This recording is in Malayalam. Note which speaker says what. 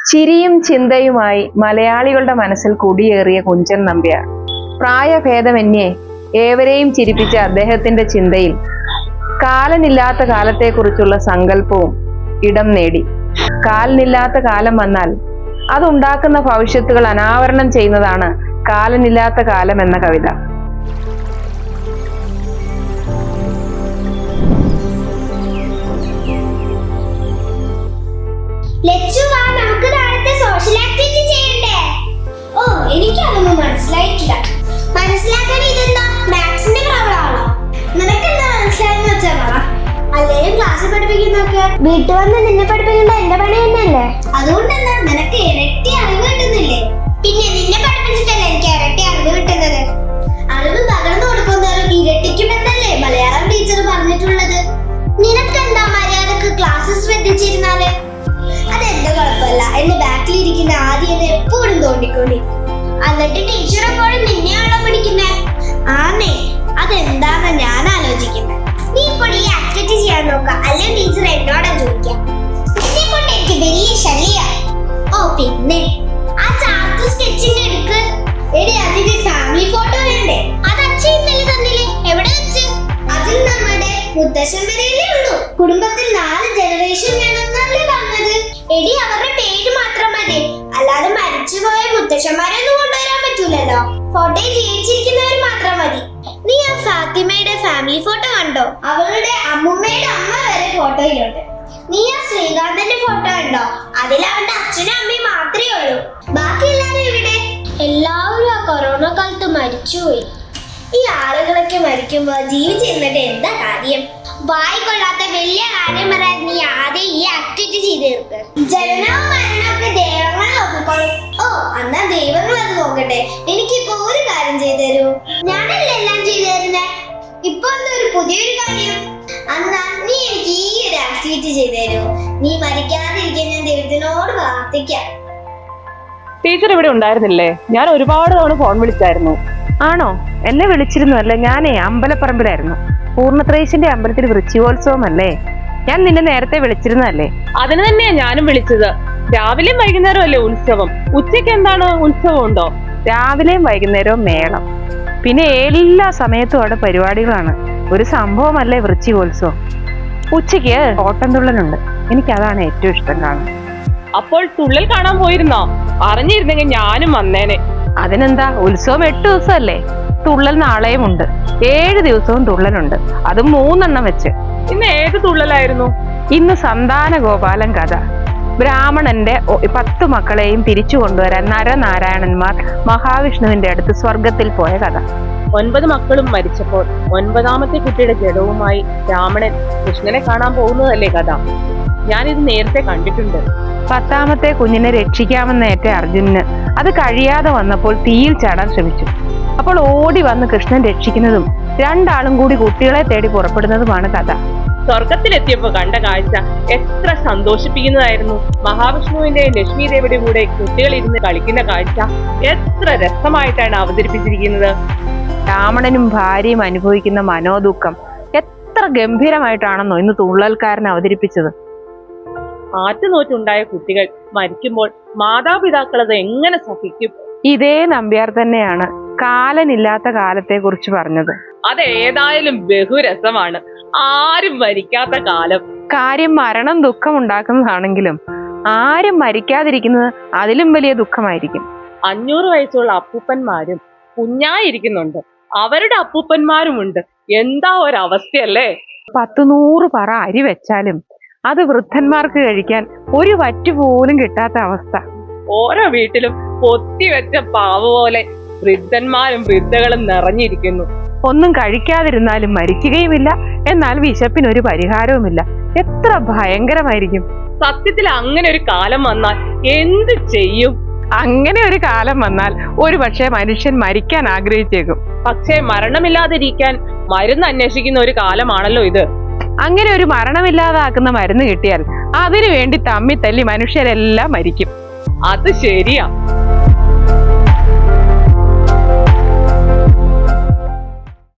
Speaker 1: ചിരിയും ചിന്തയുമായി മലയാളികളുടെ മനസ്സിൽ കുടിയേറിയ കുഞ്ചൻ നമ്പ്യാർ. പ്രായഭേദമന്യേ ഏവരെയും ചിരിപ്പിച്ച അദ്ദേഹത്തിന്റെ ചിന്തയിൽ കാലനില്ലാത്ത കാലത്തെക്കുറിച്ചുള്ള സങ്കല്പവും ഇടം നേടി. കാലനില്ലാത്ത കാലം വന്നാൽ അതുണ്ടാക്കുന്ന ഭവിഷ്യത്തുകൾ അനാവരണം ചെയ്യുന്നതാണ് കാലനില്ലാത്ത കാലം എന്ന കവിത.
Speaker 2: നമുക്ക് നാളത്തെ സോഷ്യൽ ആക്ടിവിറ്റി ചെയ്യണ്ടേ? ഓ, എനിക്കതൊന്നും മനസ്സിലായിട്ടില്ല. മനസ്സിലാക്കാൻ ഇതെന്താ മാത്സിന്റെ പ്രോബ്ലം ആണോ? നിനക്കെന്താ മനസ്സിലായെന്ന് വെച്ചാ പറ. അല്ലെങ്കിൽ ക്ലാസ്സിൽ പഠിപ്പിക്കുന്നൊക്കെ വീട്ടിൽ വന്ന് നിന്നെ പഠിപ്പിക്കേണ്ട എന്റെ പണി തന്നെയല്ലേ? അതുകൊണ്ടെന്താ നിനക്ക് ഇരട്ടി അറിവ് കിട്ടുന്നില്ലേ? പിന്നെ നിന്നെ പഠിപ്പിച്ചിട്ടല്ലേ എനിക്ക് ഇരട്ടി അറിവ് കിട്ടുന്നത്. അറിവ് പകർന്നു കൊടുക്കുന്നവരും ഇരട്ടിക്കുമെന്നല്ലേ മലയാളം ടീച്ചർ പറഞ്ഞിട്ടുള്ളത്. നിനക്കെന്താ മര്യാദക്ക് ക്ലാസ് ശ്രദ്ധിച്ചിരുന്നാല്? അതെന്റെ കുഴപ്പമില്ല. എന്റെ ബാക്കിലിരിക്കുന്ന ആദ്യം എപ്പോഴും തോണ്ടിക്കൊണ്ടിരിക്കും. എന്നിട്ട് ടീച്ചർ എപ്പോഴും നിന്നെയാണോ പിടിക്കുന്നേ? ആന്നേ, അതെന്താന്ന് ഞാൻ ആലോചിക്കുന്നത്. നീ ഇപ്പോൾ ഈ ആക്ടിവിറ്റി ചെയ്യാൻ നോക്ക, അല്ലെങ്കിൽ ടീച്ചർ എന്നോടാ ചോദിക്കാം. നിന്നെ കൊണ്ട് എനിക്ക് വലിയ ശല്യ. ഓ പിന്നെ ആ ചാർട്ട് സ്കെച്ചിങ് എടുക്ക്. എടി, അതിന്റെ ഫാമിലി ഫോട്ടോ വേണ്ടേ? അത് അച്ഛൻ ഇന്നലെ തന്നില്ലേ? എവിടെ വെച്ച്? അതിൽ നമ്മുടെ മുത്തശ്ശൻ വരെയല്ലേ ഉള്ളൂ. കുടുംബത്തിൽ 4 ജനറേഷൻ വേണമെന്നല്ലേ പറഞ്ഞത്? എടി, അവരുടെ പേര് മാത്രം മതി, അല്ലാതെ മരിച്ചുപോയ മുത്തശ്ശന്മാരൊന്നും കൊണ്ടുവരാൻ പറ്റൂലല്ലോ. ഫോട്ടോയിൽ ജീവിച്ചിരിക്കുന്നവർ മാത്രം മതി. നീ ആ ഫാത്തിമയുടെ ഫാമിലി ഫോട്ടോ കണ്ടോ? അവളുടെ അമ്മുമ്മയുടെ അമ്മ വരെ ഫോട്ടോയിലുണ്ട്. നീ ആ ശ്രീകാന്തന്റെ ഫോട്ടോ കണ്ടോ? അതിൽ അവന്റെ അച്ഛനും അമ്മയും മാത്രമേ ഉള്ളൂ. ബാക്കി എല്ലാവരും ഇവിടെ. എല്ലാവരും ആ കൊറോണ കാലത്ത് മരിച്ചുപോയി. ഈ ആളുകളൊക്കെ മരിക്കുമ്പോ ജീവിച്ചിരുന്നിട്ട് എന്താ കാര്യം? വായിക്കൊള്ളാത്ത വലിയ കാര്യം പറയാൻ നീ ആദ്യം ഈ ആക്ടിവിറ്റി ചെയ്ത് തീർക്ക്. ജനനവും മരണവും ഒക്കെ ദൈവങ്ങൾ നോക്കിക്കോളും. ഓ, എന്നാ ദൈവങ്ങൾ അത് നോക്കട്ടെ. എനിക്കിപ്പോ ഒരു കാര്യം ചെയ്തു തരൂ. ഞാനല്ലേ എല്ലാം ചെയ്തു തരുന്നേ. ഇപ്പൊ എന്താ ഒരു പുതിയൊരു കാര്യം? എന്നാ നീ എനിക്ക് ഈ ഒരു ആക്ടിവിറ്റി ചെയ്തു തരൂ. നീ മരിക്കാതിരിക്കാൻ ഞാൻ ദൈവത്തിനോട് പ്രാർത്ഥിക്കാം.
Speaker 1: ടീച്ചർ ഇവിടെ ഉണ്ടായിരുന്നില്ലേ? ഞാൻ ഒരുപാട് തവണ ഫോൺ വിളിച്ചായിരുന്നു. ആണോ? എന്നെ വിളിച്ചിരുന്നു അല്ലേ? ഞാനേ അമ്പലപ്പറമ്പിലായിരുന്നു. പൂർണ്ണത്രയീശന്റെ അമ്പലത്തിൽ വൃശ്ചികോത്സവം അല്ലേ? ഞാൻ നിന്നെ നേരത്തെ വിളിച്ചിരുന്നല്ലേ?
Speaker 3: അതിന് തന്നെയാ ഞാനും വിളിച്ചത്. രാവിലെയും വൈകുന്നേരം അല്ലേ ഉത്സവം? ഉച്ചയ്ക്ക് എന്താണ് ഉത്സവം ഉണ്ടോ?
Speaker 1: രാവിലെയും വൈകുന്നേരവും മേളം, പിന്നെ എല്ലാ സമയത്തും അവിടെ പരിപാടികളാണ്. ഒരു സംഭവമല്ലേ വൃശ്ചികോത്സവം. ഉച്ചയ്ക്ക് ഓട്ടംതുള്ളലുണ്ട്. എനിക്കതാണ് ഏറ്റവും ഇഷ്ടം കാണാൻ.
Speaker 3: അപ്പോൾ തുള്ളൽ കാണാൻ പോയിരുന്നോ? അറിഞ്ഞിരുന്നെങ്കിൽ ഞാനും വന്നേനെ.
Speaker 1: അതിനെന്താ, ഉത്സവം 8 ദിവസമല്ലേ? തുള്ളൽ നാളെയും ഉണ്ട്. 7 ദിവസവും തുള്ളലുണ്ട്, അതും 3 എണ്ണം വെച്ച്.
Speaker 3: ഇന്ന് ഏത് തുള്ളലായിരുന്നു?
Speaker 1: ഇന്ന് സന്താന ഗോപാലൻ കഥ. ബ്രാഹ്മണന്റെ 10 മക്കളെയും തിരിച്ചു കൊണ്ടുവരാൻ നരനാരായണന്മാർ മഹാവിഷ്ണുവിന്റെ അടുത്ത് സ്വർഗത്തിൽ പോയ കഥ.
Speaker 3: 9 മക്കളും മരിച്ചപ്പോൾ 9ാമത്തെ കുട്ടിയുടെ ജഡവുമായി രാവണൻ കൃഷ്ണനെ കാണാൻ പോകുന്നതല്ലേ കഥ? ഞാനിത് നേരത്തെ കണ്ടിട്ടുണ്ട്.
Speaker 1: 10ാമത്തെ കുഞ്ഞിനെ രക്ഷിക്കാമെന്നേറ്റ അർജുനന് അത് കഴിയാതെ വന്നപ്പോൾ തീയിൽ ചാടാൻ ശ്രമിച്ചു. അപ്പോൾ ഓടി വന്ന് കൃഷ്ണൻ രക്ഷിക്കുന്നതും 2 ആളും കൂടി കുട്ടികളെ തേടി പുറപ്പെടുന്നതുമാണ് കഥ.
Speaker 3: സ്വർഗത്തിലെത്തിയപ്പോ കണ്ട കാഴ്ച എത്ര സന്തോഷിപ്പിക്കുന്നതായിരുന്നു. മഹാവിഷ്ണുവിന്റെയും ലക്ഷ്മി ദേവിയുടെ കൂടെ കുട്ടികൾ ഇരുന്ന് കളിക്കുന്ന കാഴ്ച എത്ര രസമായിട്ടാണ് അവതരിപ്പിച്ചിരിക്കുന്നത്.
Speaker 1: രാവണനും ഭാര്യയും അനുഭവിക്കുന്ന മനോദുഃഖം എത്ര ഗംഭീരമായിട്ടാണെന്നോ ഇന്ന് തുള്ളൽക്കാരൻ അവതരിപ്പിച്ചത്.
Speaker 3: ആറ്റുനോറ്റുണ്ടായ കുട്ടികൾ മരിക്കുമ്പോൾ മാതാപിതാക്കൾ അത് എങ്ങനെ സഹിക്കും?
Speaker 1: ഇതേ നമ്പ്യാർ തന്നെയാണ് കാലനില്ലാത്ത കാലത്തെ കുറിച്ച് പറഞ്ഞത്.
Speaker 3: അതേതായാലും ബഹുരസമാണ്. ആരും മരിക്കാത്ത കാലം.
Speaker 1: കാര്യം മരണം ദുഃഖം ഉണ്ടാക്കുന്നതാണെങ്കിലും ആരും മരിക്കാതിരിക്കുന്നത് അതിലും വലിയ ദുഃഖമായിരിക്കും.
Speaker 3: 500 വയസ്സുള്ള അപ്പൂപ്പന്മാരും കുഞ്ഞായിരിക്കുന്നുണ്ട്. അവരുടെ അപ്പൂപ്പന്മാരുമുണ്ട്. എന്താ ഒരവസ്ഥയല്ലേ?
Speaker 1: 100 പറ അരി വെച്ചാലും അത് വൃദ്ധന്മാർക്ക് കഴിക്കാൻ ഒരു വറ്റു പോലും കിട്ടാത്ത അവസ്ഥ.
Speaker 3: ഓരോ വീട്ടിലും പൊത്തിവെച്ച പാവ പോലെ വൃദ്ധന്മാരും വൃദ്ധകളും നിറഞ്ഞിരിക്കുന്നു.
Speaker 1: ഒന്നും കഴിക്കാതിരുന്നാലും മരിക്കുകയുമില്ല, എന്നാൽ വിശപ്പിനൊരു പരിഹാരവുമില്ല. എത്ര ഭയങ്കരമായിരിക്കും.
Speaker 3: സത്യത്തിൽ അങ്ങനെ ഒരു കാലം വന്നാൽ എന്ത് ചെയ്യും?
Speaker 1: അങ്ങനെ ഒരു കാലം വന്നാൽ ഒരു പക്ഷേ മനുഷ്യൻ മരിക്കാൻ ആഗ്രഹിച്ചേക്കും.
Speaker 3: പക്ഷേ മരണമില്ലാതിരിക്കാൻ മരുന്ന് അന്വേഷിക്കുന്ന ഒരു കാലമാണല്ലോ ഇത്.
Speaker 1: അങ്ങനെ ഒരു മരണമില്ലാതാക്കുന്ന മരുന്ന് കിട്ടിയാൽ അതിനു വേണ്ടി തമ്മി തല്ലി മനുഷ്യരെല്ലാം മരിക്കും.
Speaker 3: അത് ശരിയാ.